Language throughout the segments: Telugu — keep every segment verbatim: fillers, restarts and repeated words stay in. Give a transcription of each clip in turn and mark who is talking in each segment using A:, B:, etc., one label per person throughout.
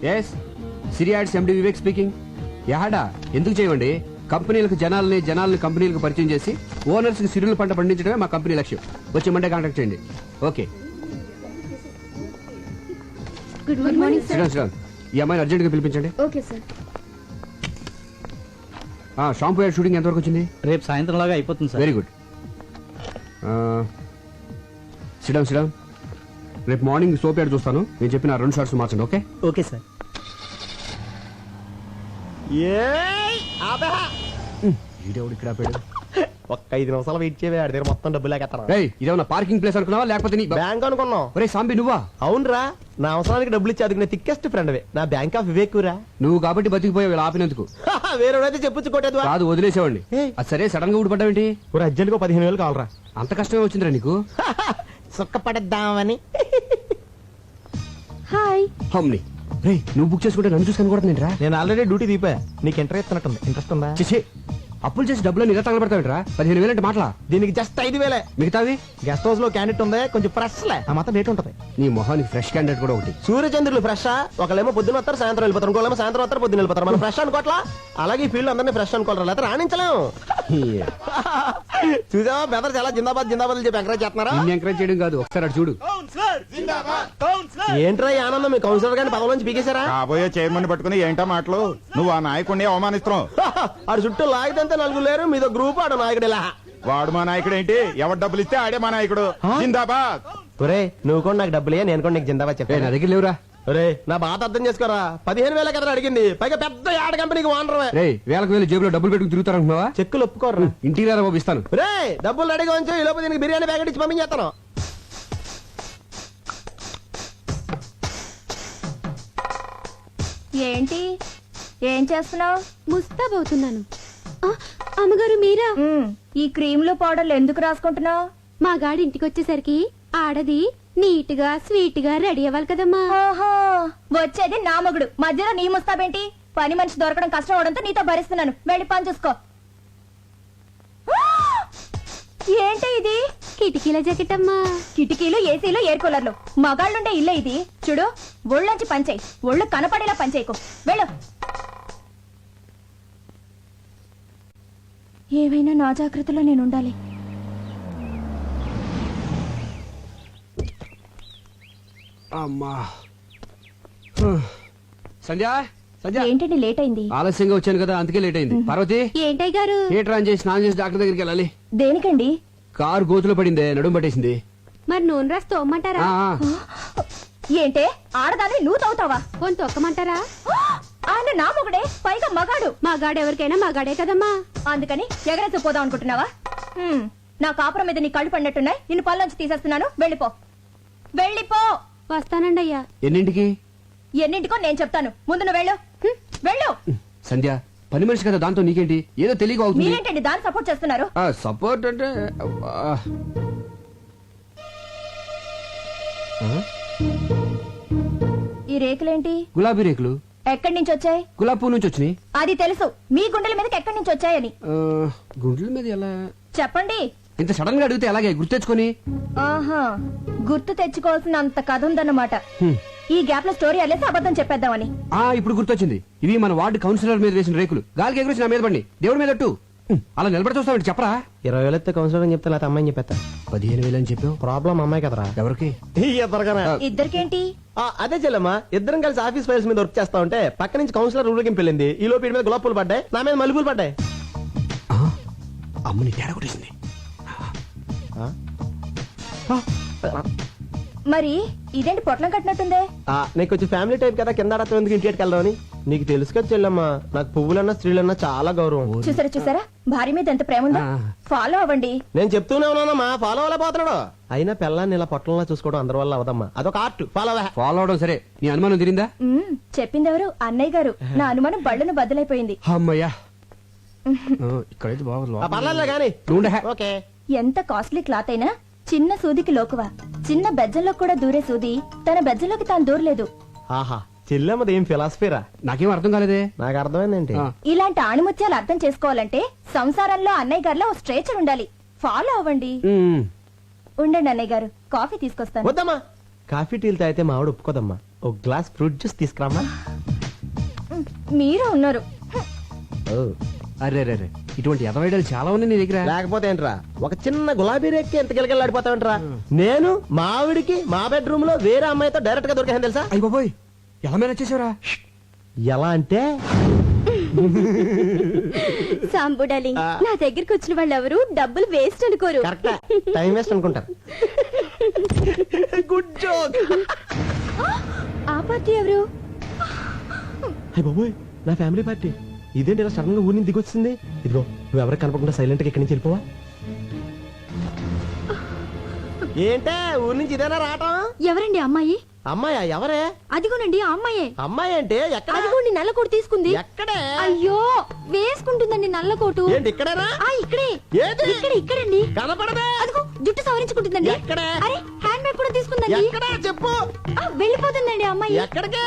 A: ఎస్ సిరియాడ్స్ ఎండి వివేక్ స్పీకింగ్. యాడా ఎందుకు చేయమండి? కంపెనీలకు జనాలని జనాలని కంపెనీలకు పరిచయం చేసి ఓనర్స్ కి సిరుల పంట పండించడమే మా కంపెనీ లక్ష్యం. వచ్చి మండే కాంటాక్ట్ చేయండి. Okay.
B: Good morning sir.
A: Sriram Sriram ఈ అమ్మాయిని అర్జెంట్ గా పిలిపించండి.
B: Okay sir.
A: Shampoo ad shooting ఎంతవరకు వచ్చింది?
C: రేపు సాయంత్రం లాగా అయిపోతుంది sir.
A: Very good. Sriram Sriram రేపు మార్నింగ్ సోప్ యాడ్ చూస్తాను. నేను చెప్పిన రెండు షార్ట్స్ మార్చండి. Okay
C: okay sir.
A: ఈడెవడు ఇక్కడ ఆపాడు?
D: ఒక్క ఐదు నిమిషాలు వెయిట్ చేయవే, ఆడి దగ్గర మొత్తం డబ్బులు లేకెత్తాను.
A: ఏయ్ ఇదేమన్నా పార్కింగ్ ప్లేస్ అనుకున్నావా లేకపోతే నీ
D: బ్యాంక్ అనుకున్నావు?
A: ఒరే సాంబి నువ్వా?
D: అవునరా, నా అవసరానికి డబ్బులు ఇచ్చి అదిగిన థిక్కెస్ట్ ఫ్రెండ్ నా బ్యాంక్ ఆఫ్ వివేక్ రా.
A: నువ్వు కాబట్టి బతికిపోయావు ఇలా ఆపినందుకు.
D: వేరేవాడైతే చెప్పొచ్చు కొట్టేది
A: కాదు వదిలేసేవాడిని. అది సరే సడన్ గా ఊడిపడ్డావేంటి?
D: అర్జెంట్ గా పదిహేను వేలు కావాలరా.
A: అంత కష్టమే వచ్చిందిరా నీకు?
D: సుక్క పడేద్దామని.
B: హాయ్.
A: హమ్ని రే నువ్వు బుక్ చేసుకుంటే నన్ను చూసుకొని కూడా నేను రా.
D: నేను ఆల్రెడీ డ్యూటీ దీపా. నీకు ఇంటరెస్ట్ ఇస్తున్నట్టుంది. ఇంట్రెస్ట్ ఉందా?
A: చిచి అప్పులు చేసి డబ్బులు ఇలా తగలబెడతావిట్రా? పదిహేను వేలు అంటే మాటలా?
D: దీనికి జస్ట్ ఐదు వేలే.
A: మిగతావి
D: గెస్ట్ హౌస్ లో క్యాండిడేట్ ఉంది, కొంచెం ఫ్రెష్ లే, ఆ మాత్రం రేట్ ఉంటది.
A: నీ మొహానికి ఫ్రెష్ క్యాండిడేట్ కూడా ఒకటి.
D: సూర్యచంద్రులు ఫ్రెష్. ఒకళ్ళేమో పొద్దున వస్తారు, సాయంత్రం వెళ్ళిపోతారు. ఇంకోళ్ళేమో సాయంత్రం వస్తారు, పొద్దున వెళ్ళిపోతారు. మనం ఫ్రెష్ అనుకోవట్లా? అలాగే ఈ ఫీల్డ్ అందరినీ ఫ్రెష్ అనుకోవాలి, లేకపోతే రాణించలేము. చూసావా బెదర్ చాలా జిందాబాద్ జిందాబాద్ చెప్పి ఎంకరేజ్ చేస్తున్నారా?
A: నిన్ను ఎంకరేజ్ చేయడం కాదు, ఒకసారి అటు చూడు.
D: ఏంట్రా ఈ ఆనందం? మీ కౌన్సిలర్ గారిని పదవి నుంచి పీకేశారా?
E: కాబోయే చైర్మన్ పట్టుకుని ఏంటో మాటలు? నువ్వు ఆ నాయకుడిని అవమానిస్తున్నావు.
D: ఆడు చుట్టూ లాగితే నలుగురు లేరు, మీదో గ్రూప్ ఆడు నాయకుడు. ఇలా
E: వాడు మా నాయకుడు ఏంటి? ఎవరు డబ్బులు ఇస్తే ఆడే మా నాయకుడు. జిందాబాద్.
D: ఒరే నువ్వు కూడా నాకు డబ్బులే, నేను కూడా నీకు జిందాబాద్
A: ఏ,
D: చెప్పాను.
A: నా దగ్గర లేవురా.
D: ఒరే నా బాధ అర్థం చేసుకోరా. పదిహేను వేల కదా అడిగింది, పైగా పెద్ద యాడ్ కంపెనీకి ఓనర్.
A: రే వేలకు వేలు జేబులో డబ్బులు పెట్టుకుని తిరుగుతారనుకున్నావా?
D: చెక్కులు ఒప్పుకోరా.
A: ఇంటికి రారా బాబు ఇస్తాను.
D: రే డబ్బులు రెడీగా ఉంచు, ఈ లోపు దీనికి బిర్యానీ ప్యాకెట్ ఇచ్చి పంపించేస్తాను.
B: ఏంటి ఏం చేస్తున్నావు?
F: ముస్తాబవుతున్నాను. అమ్మగారు మీరా?
B: ఈ క్రీమ్లు పౌడర్లు ఎందుకు రాసుకుంటున్నావు?
F: మా గాడి ఇంటికి వచ్చేసరికి ఆడది నీట్ గా స్వీట్ గా రెడీ అవ్వాలి కదమ్మా.
B: ఓహో వచ్చేది నా మగుడు, మధ్యలో నీ ముస్తాబేంటి? పని మనిషి దొరకడం కష్టం అవడంతో నీతో భరిస్తున్నాను. వెళ్ళి పని చూసుకో. ఏంటి ఇది?
F: కిటికీల జాకెట్ అమ్మా.
B: కిటికీలు, ఏసీలు, ఎయిర్ కూలర్లు. మగాళ్ళుండే ఇల్లే ఇది. చూడు ఒళ్ళొంచి పంచేయి, ఒళ్ళు కనపడేలా పంచేయకు. వెళ్ళు. ఏవైనా నా జాగ్రత్తలో నేను ఉండాలి.
A: అమ్మా సంధ్య సంధ్య
B: ఏంటండి లేట్ అయింది?
A: ఆలస్యంగా వచ్చాను కదా అందుకే లేట్ అయింది. పార్వతి
F: ఏంటయ్య గారు?
A: థియేటర్ ఆన్ చేసి స్నానం చేసి డాక్టర్ దగ్గరికి వెళ్ళాలి.
B: దేనికండి?
A: కారు గోతులో పడిందే, నడుము పట్టేసింది.
F: మరి నూనె రాసి తోమ్మంటారా?
A: ఆ, ఆ.
B: ఏంటే ఆడదాన్ని నువ్వు తవ్వుతావా?
F: పోని తొక్కమంటారా?
B: ఆయన నా మొగుడే, పైగా మగాడు.
F: మా గాడు ఎవరికైనా మా గాడే కదమ్మా.
B: అందుకని ఎగరేసి పోదాం అనుకుంటున్నావా? హ్మ్, నా కాపురం మీద నీ కళ్ళు పడినట్టున్నాయి. నిన్ను పళ్ళొంచి తీసేస్తున్నాను. వెళ్ళిపో, వెళ్ళిపో.
F: వస్తానండి అయ్యా.
A: ఎన్నింటికి?
B: ఎన్నింటికో నేను చెప్తాను. ముందు నువ్వు వెళ్ళు. హ్మ్, వెళ్ళు.
A: సంధ్య పని మనిషి కదా, దాంతో నీకేంటి? ఏదో తెలియక అవుతుంది.
B: మీరేంటండి దాన్ని సపోర్ట్ చేస్తున్నారు?
A: సపోర్ట్ అంటే అబ్బా. ఆ?
B: ఈ రేకులేంటి?
A: గులాబీ రేకులు.
B: ఎక్కడి నుంచి వచ్చాయి?
A: గులాబీ పువ్వు నుంచి వచ్చినాయి.
B: అది తెలుసు, మీ గుండెల మీదకి ఎక్కడి నుంచి వచ్చాయని
A: ఆ, గుండెల మీద ఎలా?
B: చెప్పండి.
A: ఇంత సడన్ గా అడిగితే ఎలాగే గుర్తెచ్చుకొని?
B: ఆహా, గుర్తు తెచ్చుకోవాల్సిన అంత కథ ఉందన్నమాట.
A: హ్మ్.
B: ఈ గ్యాప్ లో స్టోరీ అల్లేసి అబద్ధం చెప్పేద్దామని.
A: ఆ ఇప్పుడు గుర్తొచ్చింది. ఇవి మన వార్డు కౌన్సిలర్ మీద వేసిన రేకులు. గాలికి ఎగురొచ్చి నా మీద పడి దేవుడి మీద అట్టు. అలా నిలబడి చూస్తామండి. చెప్పరా?
D: ఇరవై వేలు ఎత్తే కౌన్సిలర్ అని చెప్తే లేకపోతే అమ్మాయిని చెప్పేస్తా.
A: పదిహేను వేలు అని చెప్పావు.
D: ప్రాబ్లం అమ్మాయి కదరా.
A: ఎవరికి?
D: ఇద్దరుగానే.
B: ఇద్దరికేంటి?
D: అదే చెల్లమ్మా, ఇద్దరం కలిసి ఆఫీస్ ఫైల్స్ మీద వర్క్ చేస్తా ఉంటే పక్క నుంచి కౌన్సిలర్ ఊరికి వెళ్ళింది. ఈ లోపు వీడి మీద గులాబ్ పూలు పడ్డాయి, నా మీద మల్లెపూలు పడ్డాయి.
A: ఆ, అమ్మని తేడా కొట్టేసింది.
B: మరి ఇదేంటి పొట్లం కట్టినట్టుందే?
D: ఆ, నీకు కొంచెం ఫ్యామిలీ టైప్ కదా, కింద ఆడతాం ఎందుకు ఇంటికి వెళ్దామని. నీకు తెలుసు కదా చెల్లమ్మా, నాకు పువ్వులన్నా స్త్రీలన్నా చాలా గౌరవం.
B: చూసారా చూసారా భార్య మీద ఎంత ప్రేమ ఉందో.
A: ఆ.
B: ఫాలో అవ్వండి.
D: నేను చెప్తూనే ఉన్నానమ్మా, ఫాలో అవ్వలేకపోతున్నాడు. అయినా పిల్లాన్ని ఇలా పొట్టంలా చూసుకోవడం అందరి వల్ల అవదమ్మా, అదొక ఆర్ట్. ఫాలో
A: ఫాలో అవడం సరే, నీ అనుమానం తిరిందా?
B: మ్మ్, చెప్పిందెవరు? అన్నయ్య గారు. నా అనుమానం బళ్ళను బద్దలైపోయింది.
A: అమ్మయ్యా, ఇక్కడైతే బాగా
D: పర్లేదు కానీ. ఓకే.
B: ఎంత కాస్ట్లీ క్లాత్ అయినా చిన్న సూదికి లోకువా. చిన్న బెజ్జంలో కూడా దూరే సూది తన బెజ్జంలోకి తాను దూరలేదు.
D: ఆహా, చెల్లెమ్మది ఏం ఫిలాసఫీరా?
A: నాకేం అర్థం కాలేదే.
D: నాకు అర్థమైందేంటి?
A: ఆ.
B: ఇలాంటి ఆణిముత్యాలు అర్థం చేసుకోవాలంటే సంసారంలో అన్నయ్య గారిలో ఓ స్ట్రేచర్ ఉండాలి. ఫాలో అవ్వండి.
A: ఉమ్.
B: ఉండండి అన్నయ్య గారు, కాఫీ తీసుకొస్తాను.
D: వద్దమ్మా, కాఫీ టీలు తాగితే మా ఆవిడ ఒప్పుకోదమ్మా. ఒక గ్లాస్ ఫ్రూట్ జ్యూస్ తీసుకురామా.
B: మీరే ఉన్నారు.
A: అరే రే రే ఇటువంటి ఎదవైడలు చాలా ఉన్నాయి నీ దగ్గర.
D: లేకపోతే ఏంట్రా, ఒక చిన్న గులాబీ రేక్కి ఎంత గిలగిలాడిపోతావంట్రా. నేను మా ఆవిడికి మా బెడ్రూమ్ లో వేరే అమ్మాయితో డైరెక్ట్ గా దొరికాను తెలుసా.
A: అయ్య బాబోయ్ ఎలా మేనేజ్ చేసావురా?
D: ఎలా అంటే
F: సాంబు డార్లింగ్, నా దగ్గరికి వచ్చిన వాళ్ళు ఎవరు డబ్బులు వేస్ట్ అనుకోరు.
D: కరెక్ట్, టైం వేస్ట్ అనుకుంటారు. Good joke.
F: ఆ పార్టీ ఎవరు?
D: అయ్య బాబోయ్, నా ఫ్యామిలీ పార్టీ. ఇదేంటి ఇలా సడన్ గా ఊరి నుంచి దిగొచ్చింది. ఇదిగో నువ్వు ఎవరికి కనపడకుండా సైలెంట్ గా ఇక్కడి నుంచి వెళ్ళిపోవా. ఏంటే ఊరి నుంచి ఇదేనా రావటం?
F: ఎవరండి అమ్మాయి?
D: అమ్మాయా? ఎవరే?
F: అదిగోనండి ఆ అమ్మాయే.
D: అమ్మాయి అంటే ఎక్కడ?
F: అదిగోండి నల్ల కోటు తీసుకుంది.
D: ఎక్కడే?
F: అయ్యో వేసుకుంటుందండి నల్ల కోటు.
D: ఏంటి ఇక్కడేనా?
F: ఆ ఇక్కడే.
D: ఏది?
F: ఇక్కడ ఇక్కడండి.
D: కనపడదే.
F: అదిగో జుట్టు సవరించుకుంటుందండి.
D: ఎక్కడే?
F: అరే హ్యాండ్ బ్యాగ్ కూడా తీసుకుందండి.
D: ఎక్కడ చెప్పు.
F: ఆ, వెళ్ళిపోతుందండి ఆ అమ్మాయి.
D: ఎక్కడికి?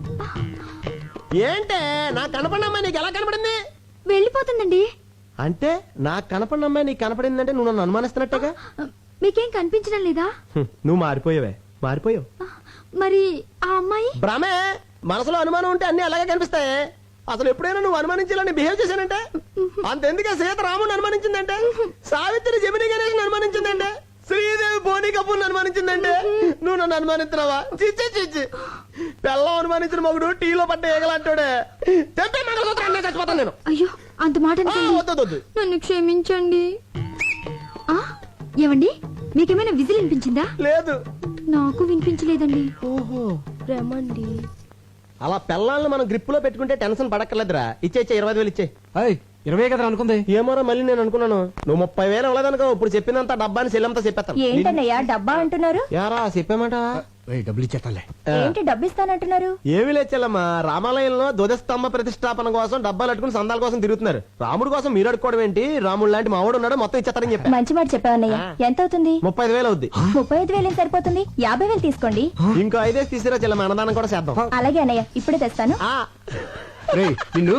D: ఏంటే నాకు కనపడిన అమ్మాయి నీకు ఎలా కనపడింది?
F: వెళ్ళిపోతుందండి.
D: అంటే నాకు కనపడిన అమ్మాయి నీకు కనపడిందంటే నువ్వు నన్ను అనుమానిస్తున్నట్టుగా.
F: మీకేం కనిపించడం లేదా?
D: హ్మ్, నువ్వు మారిపోయావే, మారిపోయావు.
F: మరి ఆ అమ్మాయి?
D: భ్రమే. మనసులో అనుమానం ఉంటే అన్ని అలాగే కనిపిస్తాయి. అసలు ఎప్పుడైనా నువ్వు అనుమానించాలని బిహేవ్ చేశానంటే అంతెందుకే సీత రాముని అనుమానించిందంటే, సావిత్రి జమిని గణేష్ అనుమానించిందంటే, శ్రీదేవి బోని కపూర్ అనుమానించిందంటే నువ్వు నన్ను అనుమానిస్తున్నావా? చిచ్చి చిచ్చి. పెళ్ళం అనుమానించిన మగుడు టీలో పడ్డ ఏగలంటాడే. తెప్పే మంగళసూత్రం చచ్చిపోతాను నేను.
F: అయ్యో అంత మాట
D: ఆ,
F: అనకండి.
D: వద్దు వద్దు.
F: నన్ను క్షమించండి. ఆ, ఏమండి మీకేమైనా విజిల్ వినిపించిందా?
D: లేదు.
F: నాకు వినిపించలేదండి.
D: ఓహో,
F: రమండి.
D: అలా పెళ్ళాలను మనం గ్రిప్ లో పెట్టుకుంటే టెన్షన్ పడక్కర్లేదురా. ఇచ్చే ఇచ్చే ఇరవై ఐదు వేలు ఇచ్చే.
A: అయ్ ఇరవై కదా అనుకుంది.
D: ఏమోరా మళ్ళీ నేను అనుకున్నాను నువ్వు ముప్పై వేలు ఇవ్వలేదనుకో. ఇప్పుడు చెప్పినంత డబ్బాని సెల్లంతా చెప్పేస్తాను.
B: ఏంటన్నయ్యా డబ్బా అంటున్నారు?
D: యారా చెప్పామాట.
A: ఏయ్, డబ్బులు ఇచ్చేస్తాలే.
B: ఏంటి డబ్బు ఇస్తానంటున్నారు?
D: ఏమి లేచెల్లమ్మా, రామాలయంలో ధ్వజస్తంభ ప్రతిష్టాపన కోసం డబ్బాలు అట్టుకుని సందాల కోసం తిరుగుతున్నారు. రాముడు కోసం మీరు అడుకోవడం ఏంటి? రాముడు లాంటి మావాడు ఉన్నాడు, మొత్తం ఇచ్చేస్తారని చెప్పా.
B: మంచి మాట చెప్పావన్నయ్య. ఎంత అవుతుంది?
D: ముప్పై ఐదు వేలు అవుద్ది.
B: ముప్పై ఐదు వేలు సరిపోతుంది. యాభై వేలు తీసుకోండి.
D: ఇంకో ఐదేసి తీసిరా చెల్లమ్మ, అన్నదానం కూడా చేద్దాం.
B: అలాగే అన్నయ్య, ఇప్పుడే తెస్తాను.
D: ఆ,
A: రేయ్ నిన్ను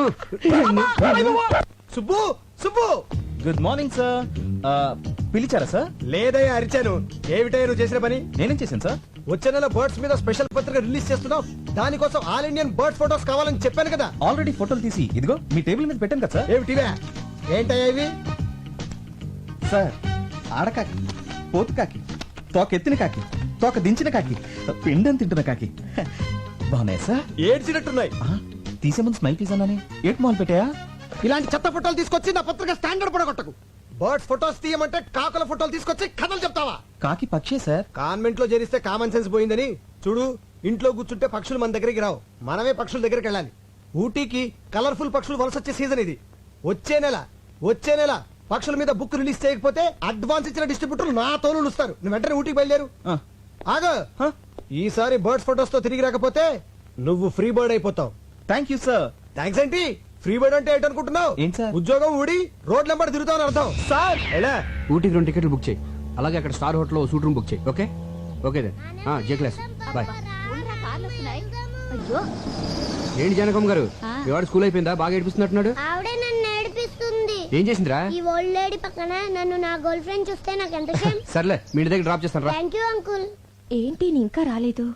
C: Subbu Subbu
G: good morning sir. పిలిచారా సార్?
C: లేదయ్యా అరిచాను. ఏమిటయ్యా నువ్వు చేసిన పని?
G: నేనేం చేశాను సార్?
C: వచ్చే నెల బర్డ్స్ మీద స్పెషల్ పత్రిక రిలీజ్ చేస్తున్నావు. దానికోసం ఆల్ ఇండియన్ బర్డ్ ఫోటోస్ కావాలని చెప్పాను కదా.
G: ఆల్రెడీ ఫోటోలు తీసి ఇదిగో మీ టేబుల్ మీద పెట్టాను కదా సార్.
C: ఏమిటివే? ఏంటయ్యా ఇవి?
G: సార్ ఆడకాకి, పోతు కాకి, తోక ఎత్తిన కాకి, తోక దించిన కాకి, పిండం తింటున్న కాకి బాగున్నాయి సార్.
C: ఏడ్చినట్టున్నాయి.
G: ఆ, తీసే ముందు స్మైల్ ప్లీజ్ అన్నానే. ఏట్ మాల్ పెట్టాయా?
C: ఇలాంటి చెత్త ఫోటోలు తీసుకొచ్చి నా పత్రిక స్టాండర్డ్ పడగొట్టకు. బర్డ్స్ ఫోటోస్ తీయమంటే కాకుల ఫోటోలు తీసుకొచ్చి కథలు చెప్తావా?
G: కాకి పక్షే సార్.
C: కాన్వెంట్ లో చేరిస్తే కామన్ సెన్స్ పోయిందని చూడు. ఇంట్లో కూర్చుంటే పక్షులు మన దగ్గరికి రావు, మనమే పక్షుల దగ్గరికి వెళ్ళాలి. ఊటీకి కలర్ఫుల్ పక్షులు వలస వచ్చే సీజన్ ఇది. వచ్చే నెల వచ్చే నెల పక్షుల మీద బుక్ రిలీజ్ చేయకపోతే అడ్వాన్స్ ఇచ్చిన డిస్ట్రిబ్యూటర్లు నా తోలు ఇస్తారు. నువ్వు వెంటనే ఊటీకి బయలుదేరు.
G: ఆ,
C: ఆగో, ఈసారి బర్డ్స్ ఫోటోస్ తో తిరిగి రాకపోతే నువ్వు ఫ్రీ బర్డ్ అయిపోతావు.
G: Thank you sir.
C: థ్యాంక్స్ ఏంటి? ఫ్రీ బర్డ్ అంటే ఏంటనుకుంటున్నావు?
G: ఏంటి సార్?
C: ఉద్యోగం ఊడి రోడ్ నెంబర్ తిరుగుతావు అర్థం.
G: సార్
C: ఎలా?
A: ఊటీకి రెండు టికెట్లు బుక్ చేయి. అలాగే అక్కడ star hotel suite room book చేయి. Okay okay then. J class bye.
F: అయ్యో
A: ఏంటి జనకమ్మ గారు, మీ వాడు స్కూల్ అయిపోయిందా? బాగా ఏడిపిస్తున్నట్టున్నాడు.
H: ఆవిడే నన్ను ఏడిపిస్తుంది.
A: ఏం చేసిందిరా?
H: ఈ ఓల్డ్ లేడీ పక్కన నన్ను నా గర్ల్ ఫ్రెండ్ చూస్తే నాకు ఎంత షేమ్.
A: సర్లే మీ ఇంటి దగ్గర డ్రాప్ చేస్తాను రా.
H: Thank you uncle.
B: ఏంటి నీ ఇంకా రాలేదు?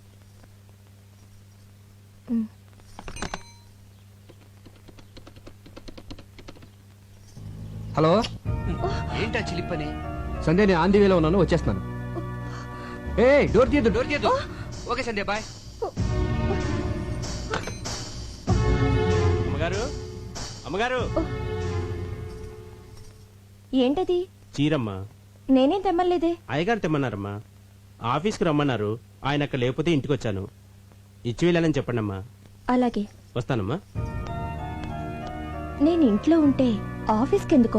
A: హలో ఏంటా చిలిపని? సంధ్య నేను ఆంధీ వేలో ఉన్నాను, వచ్చేస్తున్నాను. ఏ డోర్ తీయద్దు, డోర్ తీయద్దు. Okay Sandhya bye.
I: అమ్మగారు అమ్మగారు
B: ఏంటది?
I: చీరమ్మ.
B: నేనేం తెమ్మలేదే.
I: అయ్యగారు తెమ్మన్నారమ్మా. ఆఫీస్కి రమ్మన్నారు. ఆయన అక్కడ లేకపోతే ఇంటికి వచ్చాను. ఇచ్చి వెళ్ళాలని చెప్పండి అమ్మా.
B: అలాగే
I: వస్తానమ్మా.
B: నేను ఇంట్లో ఉంటే ఆఫీస్కి ఎందుకో?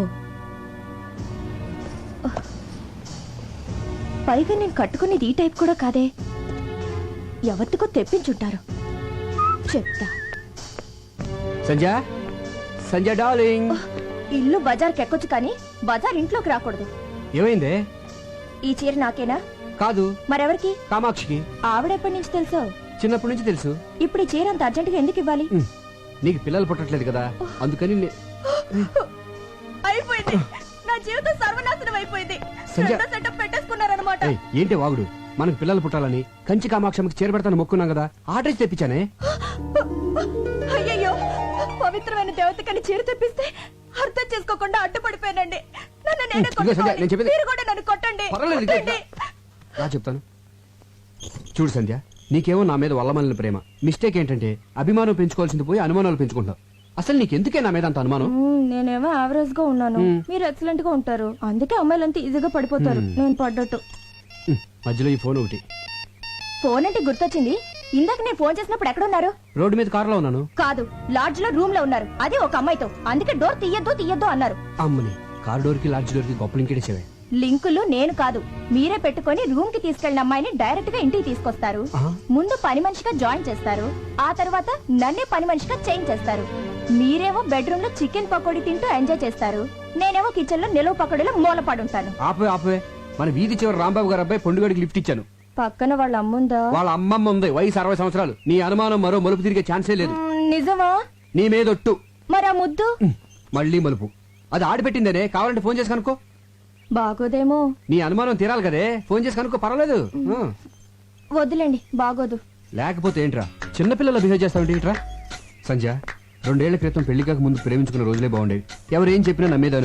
B: పైగా నేను కట్టుకునేది ఈ టైప్ కూడా కాదే. ఎవరికో తెప్పించుంటారు. చెప్తా.
A: సంధ్య సంధ్య డార్లింగ్.
B: ఇల్లు బజార్కి ఎక్కొచ్చు కానీ బజార్ ఇంట్లోకి రాకూడదు.
A: ఏమైందే?
B: ఈ చీర నాకేనా?
A: కాదు,
B: మరెవరికి?
A: కామాక్షికి.
B: ఆవిడెప్పటి నుంచి తెలుసో?
A: చిన్నప్పటి నుంచి తెలుసు.
B: ఇప్పుడు ఈ చీర అంత అర్జెంటుగా ఎందుకు ఇవ్వాలి?
A: ఉమ్, నీకు పిల్లలు పుట్టట్లేదు కదా, అందుకని నే-
B: అయిపోయింది. నా జీవితం సర్వనాశనం అయిపోయింది.
A: సంధ్య.
B: రెండో సెటప్ పెట్టేసుకున్నారన్నమాట.
A: ఏయ్, ఏంటి వాగుడు? మనకు పిల్లలు పుట్టాలని కంచి కామాక్షమికి చేరబెడతాను మొక్కున్నాం కదా ఆర్డర్ ఇచ్చి తెప్పించానే.
B: అయ్యయ్యో పవిత్రమైన దేవతకని చీర తెప్పిస్తే అర్థం చేసుకోకుండా అడ్డుపడిపోయానండి. నన్ను నేనే
A: ఇదిగో సంధ్య,
B: కొట్టుకోవాలి.
A: నేను చెప్పేది-
B: మీరు కూడా నన్ను కొట్టండి.
A: పర్వాలేదు, ఇదిగో
B: కొట్టండి.
A: రా చెప్తాను. చూడు సంధ్య, నీకేమో నా మీద వల్లమల్లిన ప్రేమ. మిస్టేక్ ఏంటంటే అభిమానం పెంచుకోవాల్సింది పోయి అనుమానాలు పెంచుకుంటావు. అసలు నీకెందుకే నా మీద అంత అనుమానం?
B: మ్మ్, నేనేమో యావరేజ్ గా ఉన్నాను, మీరు ఎక్సలెంట్ గా ఉంటారు. అందుకే అమ్మాయిలంతా ఈజీగా పడిపోతారు. నేను పడ్డట్టు.
A: ఉమ్, మధ్యలో ఈ ఫోన్ ఒకటి.
B: ఫోన్ అంటే గుర్తొచ్చింది. ఇందాక నేను ఫోన్ చేసినప్పుడు ఎక్కడ ఉన్నారు?
A: రోడ్డు మీద కారులో ఉన్నాను.
B: కాదు, లాడ్జ్ లో రూమ్ లో ఉన్నారు. అది ఒక అమ్మాయితో. అందుకే డోర్ తీయద్దు తీయద్దు అన్నారు.
A: అమ్మని కారు డోర్ కి లాడ్జ్ డోర్ కి గొప్ప లింకేసేవే.
B: లింకులు నేను కాదు, మీరే పెట్టుకొని రూమ్ కి తీసుకెళ్లిన అమ్మాయిని డైరెక్ట్ గా ఇంటికి తీసుకొస్తారు. ముందు పని మనిషిగా జాయిన్ చేస్తారు, ఆ తర్వాత నన్నే పని మనిషిగా చేంజ్ చేస్తారు. మీరేమో బెడ్రూమ్ లో చికెన్ పకోడీ తింటూ ఎంజాయ్ చేస్తారు, నేనేమో కిచెన్ లో నిలువ పకోడీలో మూలపడుంటాను.
A: ఆపే ఆపే మన వీధి చివరి రాంబాబు గారు అబ్బాయి పొండుగడికి లిఫ్ట్ ఇచ్చాను.
B: పక్కన వాళ్ళ అమ్ముందా?
A: వాళ్ళ అమ్మమ్మ ఉంది, వయసు అరవై సంవత్సరాలు. నీ అనుమానం మరో మలుపు తిరిగే ఛాన్సే లేదు.
B: మ్, నిజమా?
A: నీ మీదొట్టు.
B: మరి ఆ ముద్దు
A: ఉమ్, మళ్ళీ మలుపు. అది ఆడిపెట్టిందనే, కావాలంటే ఫోన్ చేసి కనుక్కో.
B: బాగోదేమో.
A: నీ అనుమానం తీరాలి కదే, ఫోన్ చేసి కనుక్కో, పర్వాలేదు. ఆ.
B: వద్దులేండి, బాగోదు.
A: లేకపోతే ఏంట్రా చిన్నపిల్లలు బిహేవ్ చేస్తావు ఏంట్రా? సంధ్య, రెండేళ్ల క్రితం పెళ్లి కాక ముందు ప్రేమించుకున్న రోజులే బాగుండేవి. ఎవరేం చెప్పినా నమ్మేదాను.